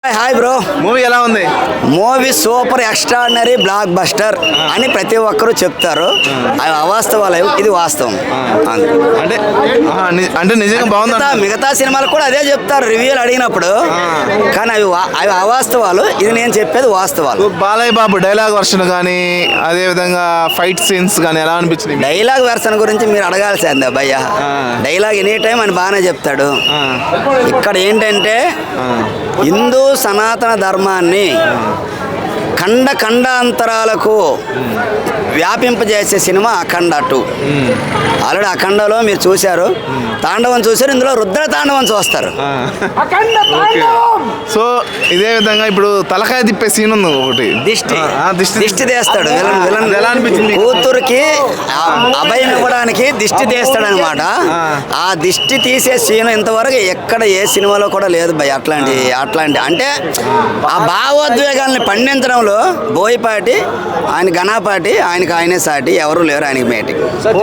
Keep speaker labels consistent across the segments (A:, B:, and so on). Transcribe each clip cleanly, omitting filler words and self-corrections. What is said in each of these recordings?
A: Hi bro.
B: Movie ఎలా ఉంది?
A: Movie super extraordinary blockbuster అని ప్రతి ఒక్కరూ చెప్తారు. అవి అవాస్తవాలు, ఇది వాస్తవం.
B: అంటే అంటే నిజంగా బాగుంది.
A: మిగతా సినిమాలు కూడా అదే చెప్తారు రివ్యూలు అడిగినప్పుడు, కానీ అవి అవాస్తవాలు. ఇది నేను చెప్పేది వాస్తవాలు.
B: బాలయ్య బాబు డైలాగ్ వర్షన్ కానీ అదే విధంగా ఫైట్ సీన్స్ కానీ ఎలా అనిపించింది?
A: డైలాగ్ వెర్షన్ గురించి మీరు అడగాల్సిందే భయ్య. డైలాగ్ ఎనీ టైం అని బాగానే చెప్తాడు. ఇక్కడ ఏంటంటే హిందూ సనాతన ధర్మాన్ని ఖండాంతరాలకు వ్యాపింపజేసే సినిమా అఖండ 2. ఆల్రెడీ అఖండలో మీరు చూశారు, తాండవం చూశారు, ఇందులో రుద్ర తాండవం చూస్తారు.
B: సో ఇదే విధంగా ఇప్పుడు తలకాయ తిప్పే సీన్ ఉంది ఒకటి,
A: దిష్టి తీస్తాడు.
B: ఎలా అనిపించింది?
A: కూతురికి అభయం ఇవ్వడానికి దిష్టి తీస్తాడు అనమాట. ఆ దిష్టి తీసే సీన్ ఇంతవరకు ఎక్కడ ఏ సినిమాలో కూడా లేదు భయ్. అట్లాంటి అంటే ఆ భావోద్వేగాల్ని పండించడంలో బోయపాటి, ఆయన ఘనాపాటి, ఆయనే సాటి, ఎవరు లేరు ఆయనకి మేటింగ్.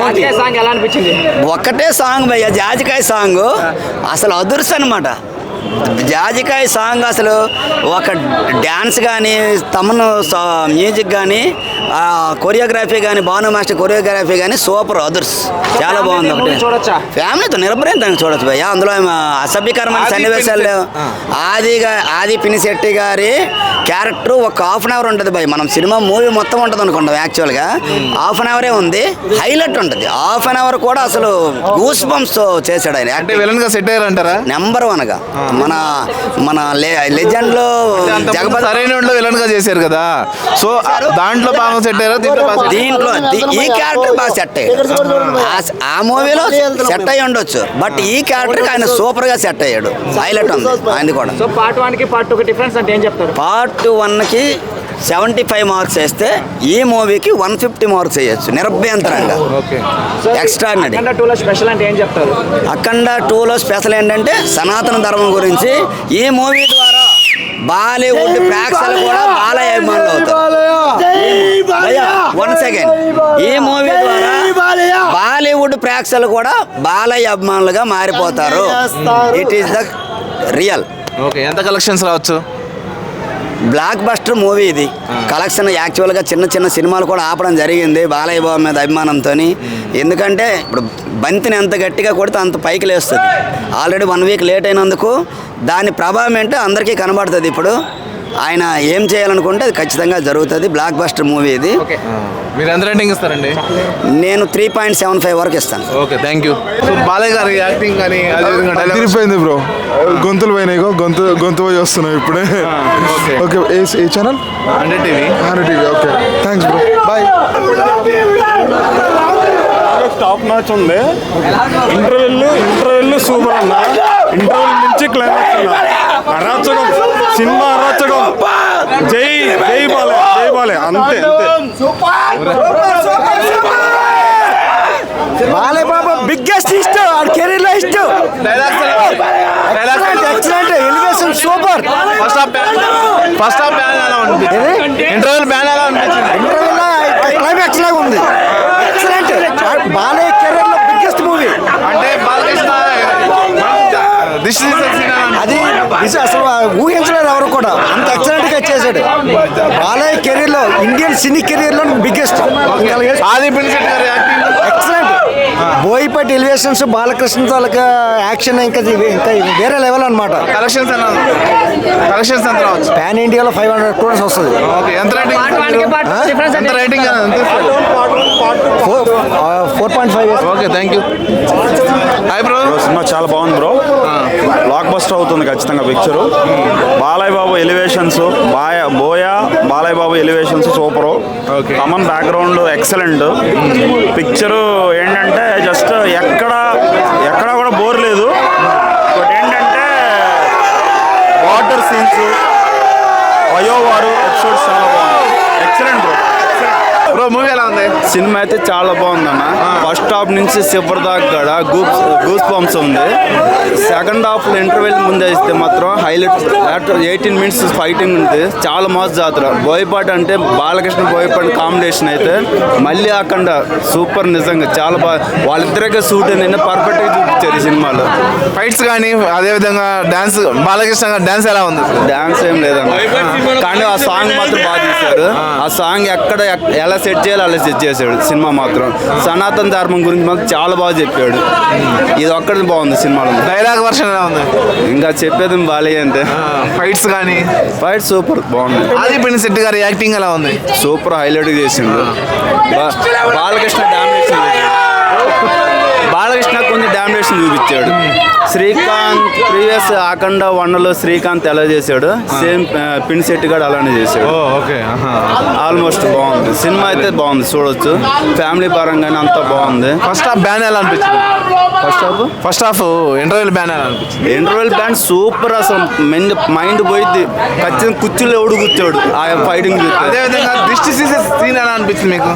A: ఒక్కటే సాంగ్ భయ్య, జాజికాయ సాంగ్ అసలు అదుర్స్ అనమాట. జాజికాయ సాంగ్ అసలు ఒక డ్యాన్స్ కానీ, తమను మ్యూజిక్ కానీ, కొరియోగ్రఫీ కానీ, భాను మాస్టర్ కొరియోగ్రఫీ కానీ సూపర్ అదర్స్, చాలా బాగుంది. ఒకటి ఫ్యామిలీతో నిరభ్రయంతంగా చూడొచ్చు భయ్య. అందులో అసభ్యకరమైన సన్నివేశాలు లేవు. ఆది పినిశెట్టి గారి క్యారెక్టర్ ఒక హాఫ్ అన్ అవర్ ఉంటుంది భయ్. మనం సినిమా మూవీ మొత్తం ఉంటుంది అనుకుంటాం, యాక్చువల్గా హాఫ్ అన్ అవరే ఉంది. హైలైట్ ఉంటుంది హాఫ్ అన్ అవర్ కూడా. అసలు గూస్ బంప్స్ చేశాడు ఆయన.
B: సెట్ అయ్యారంటారా?
A: నెంబర్ 1గా మన లెజెండ్ లో
B: జగపతి సరైన విలన్ గా చేశారు కదా. సో దాంట్లో బాగా సెట్ అయ్యారు.
A: దీంట్లో ఈ క్యారెక్టర్ బాగా సెట్ అయ్యాడు. ఆ మూవీలో సెట్ అయ్యి ఉండొచ్చు, బట్ ఈ క్యారెక్టర్ ఆయన సూపర్ గా సెట్ అయ్యాడు. హైలైట్ ఉంది ఆయన కూడా.
C: సో పార్ట్ 1 కి పార్ట్ 2 కి డిఫరెన్స్ అంటే ఏం చెప్తారు?
A: పార్ట్ 1కి 75 మార్క్స్ వేస్తే ఈ మూవీకి 150 మార్క్స్ వేయచ్చు నిరభ్యంతరంగా. ఎక్స్ట్రాడినరీ.
C: అఖండ 2 లో స్పెషల్ అంటే ఏం చెప్తారు?
A: అఖండ 2లో స్పెషల్ ఏంటంటే సనాతన ధర్మం గురించి. ఈ మూవీ ద్వారా బాలీవుడ్ ప్రేక్షకులు కూడా బాలయ్య అభిమానులు అవుతారు. వన్ సెకండ్, ఈ మూవీ ద్వారా బాలీవుడ్ ప్రేక్షకులు కూడా బాలయ్య అభిమానులుగా మారిపోతారు. It is the real.
B: Okay, ఎంత కలెక్షన్స్ రావచ్చు?
A: బ్లాక్ బస్టర్ మూవీ ఇది. కలెక్షన్ యాక్చువల్గా చిన్న సినిమాలు కూడా ఆపడం జరిగింది బాలయ్య బాబు మీద అభిమానంతో. ఎందుకంటే ఇప్పుడు బంతిని ఎంత గట్టిగా కొడితే అంత పైకి లేస్తుంది. ఆల్రెడీ 1 వీక్ లేట్ అయినందుకు దాని ప్రభావం ఏంటో అందరికీ కనబడుతుంది. ఇప్పుడు ఆయన ఏం చేయాలనుకుంటే అది ఖచ్చితంగా జరుగుతుంది. బ్లాక్ బస్టర్ మూవీ ఇది.
B: మీరు ఎంత రేటింగ్ ఇస్తారండి?
A: నేను 3.75 వరకు ఇస్తాను.
B: Okay, thank you. బాలయ్య గారి యాక్టింగ్ కానీ
D: తిరిగిపోయింది బ్రో. గొంతులు పోయినాయి, గొంతు పోయి వస్తున్నాయి ఇప్పుడే. ఓకే, ఏ channel?
B: 100 TV.
D: Okay, thanks bro, bye.
E: Top match ఉంది. ఇంటర్వెల్ సూపర్ అన్న. ఇంటర్వెల్ నుంచి క్లైమాక్స్ అరాచకం, సినిమా అరాచకం. జై బాలే అంతే.
A: Balayya Babu biggest hit career లో hit. Excellent elevation super.
B: First half bang ఎలా అనిపించింది? ఇంటర్వెల్ బ్యాన్ ఎలా అనిపించింది?
A: క్లైమాక్స్ లాగా ఉంది. ఎక్సలెంట్. బాలయ్య కెరీర్ లో బిగ్గెస్ట్ మూవీ.
B: అంటే బాలకృష్ణ
A: అది అసలు ఊహించలేదు ఎవరు కూడా. అంత ఎక్సలెంట్ గా చేశాడు. బాలయ్య కెరీర్ లో, ఇండియన్ సినీ కెరీర్ లో బిగ్గెస్ట్.
B: ఆది పినిశెట్టి గారి acting
A: excellent. Boyapati elevations, Balakrishna తాలూకా యాక్షన్ ఇంకా వేరే లెవెల్ అనమాట.
B: కలెక్షన్స్ ఎంత రావచ్చు?
A: పాన్ ఇండియాలో 500 crores వస్తుంది.
B: ఓకే, ఎంత రేటింగ్? ఎంత rating?
A: 4.5.
B: Okay, thank you. Hi bro.
E: Cinema చాలా బాగుంది బ్రో. బ్లాక్ బస్టర్ అవుతుంది ఖచ్చితంగా picture. Balayya Babu elevations, Balayya Babu elevations super. Common background excellent. Picture ఏంటంటే జస్ట్ ఎక్కడ కూడా బోర్ లేదు. బట్ ఏంటంటే వాటర్ సీన్స్, వయోవారు ఎపిసోడ్స్ చాలా బాగుంది. Excellent bro.
B: బ్రో మూవీ ఎలా ఉంది?
E: సినిమా అయితే చాలా బాగుందన్న. ఫస్ట్ హాఫ్ నుంచి చివరి దాకా కూడా గూస్ బంప్స్ ఉంది. సెకండ్ హాఫ్ లో ఇంటర్వెల్ ముందే ఇస్తే మాత్రం హైలైట్. 18 minutes ఫైటింగ్ ఉంది. చాలా మస్తు జాతర. బోయపాటి అంటే బాలకృష్ణ బోయపాటి కాంబినేషన్ అయితే మళ్ళీ అక్కడ సూపర్. నిజంగా చాలా బాగా వాళ్ళిద్దరికే సూట్ నిన్న పర్ఫెక్ట్ గా చూపించారు ఈ సినిమాలో.
B: ఫైట్స్ కానీ అదే విధంగా డాన్స్, బాలకృష్ణ డాన్స్ ఎలా ఉంది?
E: డాన్స్ ఏం లేదన్న, కానీ ఆ సాంగ్ మాత్రం బాగా తీశారు. ఆ సాంగ్ ఎక్కడ ఎలా సెట్ చేయాలో అలా సెట్ చేశాడు. సినిమా మాత్రం సనాతన ధర్మం గురించి మాత్రం చాలా బాగా చెప్పాడు. ఇది ఒక్కటి బాగుంది సినిమాలో.
B: డైలాగ్ వర్షన్ ఎలా ఉంది?
E: ఇంకా చెప్పేది బాలే అంటే
B: ఫైట్స్ కానీ
E: ఫైట్ సూపర్ బాగుంది.
B: ఆదిపిన్ శెట్టి గారి యాక్టింగ్ ఎలా ఉంది?
E: సూపర్ హైలైట్ చేసిండు. బాలకృష్ణ డామినేషన్ బాలకృష్ణ కొంచెం డామినేషన్ చూపించాడు. శ్రీకాంత్ ప్రీవియస్ అఖండ 1లో శ్రీకాంత్ ఎలా చేశాడు, సేమ్ పిన్ శెట్టి గారు అలానే చేశాడు.
B: ఓకే.
E: ఆల్మోస్ట్ బాగుంది సినిమా అయితే. బాగుంది, చూడొచ్చు. ఫ్యామిలీ పరంగానే అంతా బాగుంది.
B: ఫస్ట్ హాఫ్ బ్యాన్ ఎలా అనిపించింది? ఫస్ట్ హాఫ్ ఇంటర్వెల్ బ్యాన్ ఎలా అనిపించింది?
E: Interval bang super. అసలు మైండ్ పోయింది. ఖచ్చితంగా కుర్చీలో ఎవడు కూర్చోడు ఆ ఫైటింగ్ చూస్తే.
B: అదే విధంగా దిష్టి తీసే సీన్ ఎలా అనిపించింది మీకు?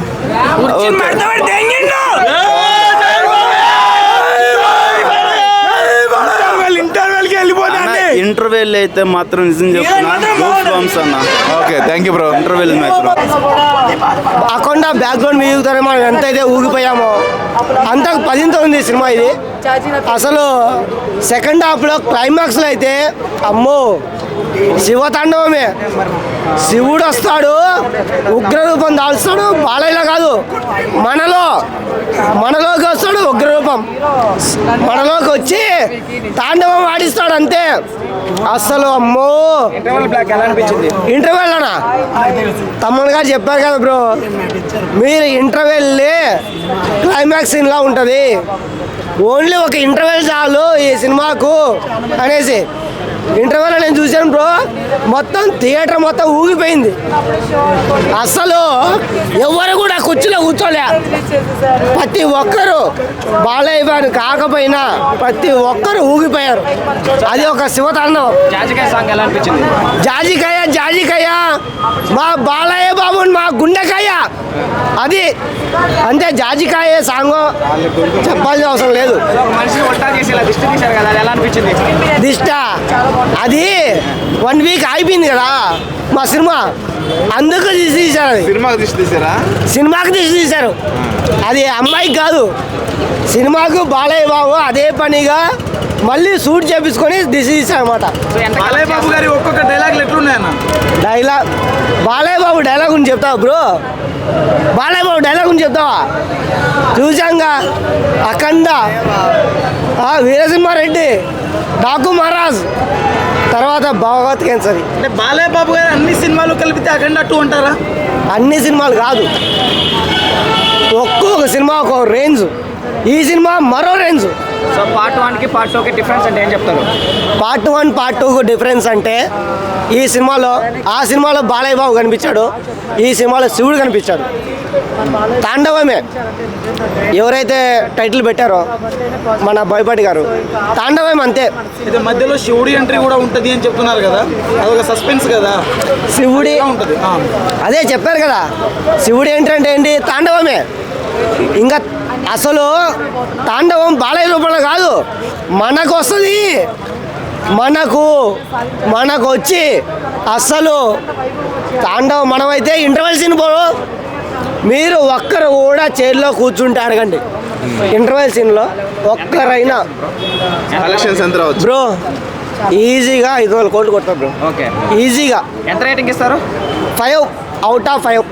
E: ఇంటర్వెల్ అయితే మాత్రం నిజం చెప్తున్నా.
B: Okay, thank you bro.
E: Interval మాత్రం
F: అఖండ బ్యాక్గ్రౌండ్ మ్యూజిక్ ద్వారా మనం ఎంతైతే ఊగిపోయామో అంత 10తో ఉంది సినిమా ఇది. అసలు సెకండ్ హాఫ్లో క్లైమాక్స్లో అయితే అమ్మో శివతాండవమే. శివుడు వస్తాడు, ఉగ్రరూపం దాల్స్తాడు. బాలయ్యలో కాదు, మనలోకి వస్తాడు ఉగ్రరూపం. మనలోకి వచ్చి తాండవం ఆడిస్తాడు అంతే. అసలు అమ్మో ఇంటర్వెల్ అనా తమ్ముడు గారు చెప్పారు కదా బ్రో, మీరు ఇంటర్వెల్ క్లైమాక్స్ సీన్లా ఉంటుంది. ఓన్లీ ఒక ఇంటర్వెల్ చాలు ఈ సినిమాకు అనేసి ఇంటర్వెల్ నేను చూశాను బ్రో. మొత్తం థియేటర్ మొత్తం ఊగిపోయింది. అసలు ఎవరు కూడా కుర్చీలో కూర్చోలే. ప్రతి ఒక్కరు బాలయ్య గారు కాకపోయినా ప్రతి ఒక్కరు ఊగిపోయారు. అది ఒక శివతాండవం.
C: జాజికాయ సాంగ్ ఎలా అనిపించింది?
F: జాజికాయ మా బాలయ్య బాబు మా గుండెకాయ అది అంతే. జాజికాయ సాంగ్ చెప్పాల్సిన అవసరం లేదు.
C: ఒక మనిషిని వంట చేసి ఇలా దిష్టి తీశారు కదా, అది ఎలా అనిపించింది?
F: దిష్ట అది 1 వీక్ అయిపోయింది కదా మా సినిమా, అందుకు దిష్టి తీశారు. అది
B: సినిమాకి దిష్టి తీసారా?
F: సినిమాకి దిష్టి తీశారు. అది అమ్మాయికి కాదు, సినిమాకు బాలయ్య బాబు అదే పనిగా మళ్ళీ షూట్ చేపించుకొని దిష్టి తీశారు అనమాట.
B: బాలయ్య బాబు గారి ఒక్కొక్క డైలాగులు ఎట్లున్నాయన్న?
F: డైలాగ్ బాలయ్య బాబు డైలాగ్ గురించి చెప్తావా బ్రో? బాలయ్య బాబు డైలాగ్ గురించి చెప్తావా? చూసాంగా అఖండ, వీరసింహారెడ్డి, డాకు మహారాజ్, తర్వాత భగవత్ కేసరి.
B: అంటే బాలయ్య బాబు గారు అన్ని సినిమాలు కలిపితే అఖండ 2 అంటారా?
F: అన్ని సినిమాలు కాదు, ఒక్కొక్క సినిమా ఒక రేంజ్. ఈ సినిమా మరో రేంజ్.
C: సో పార్ట్ 1కి పార్ట్ 2కి డిఫరెన్స్ అంటే ఏం చెప్తారు?
F: పార్ట్ 1 పార్ట్ 2కు డిఫరెన్స్ అంటే ఈ సినిమాలో ఆ సినిమాలో బాలయ్య బాబు కనిపించాడు, ఈ సినిమాలో శివుడు కనిపించాడు. తాండవమే ఎవరైతే టైటిల్ పెట్టారో మన బోయపాటి గారు, తాండవం అంతే.
B: ఇది మధ్యలో శివుడి ఎంట్రీ కూడా ఉంటుంది అని చెప్తున్నారు కదా, అదొక సస్పెన్స్ కదా.
F: శివుడి
B: ఉంటుంది.
F: అదే చెప్పారు కదా, శివుడు ఏంటంటే ఏంటి? తాండవమే. ఇంకా అసలు తాండవం బాలయ్య రూపంలో కాదు, మనకు వస్తుంది. మనకు వచ్చి అసలు తాండవం మనమైతే ఇంటర్వెల్ సీన్ పోరు. మీరు ఒక్కరు కూడా చైర్లో కూర్చుంటే అడగండి, ఇంటర్వెల్ సీన్లో ఒక్కరైనా
B: కలెక్షన్స్ ఎంత రావచ్చు
F: బ్రో? ఈజీగా 500 కోట్లు కొడతారు బ్రో.
C: ఓకే,
F: ఈజీగా.
C: ఎంత రేటింగ్ ఇస్తారు?
F: 5 out of 5.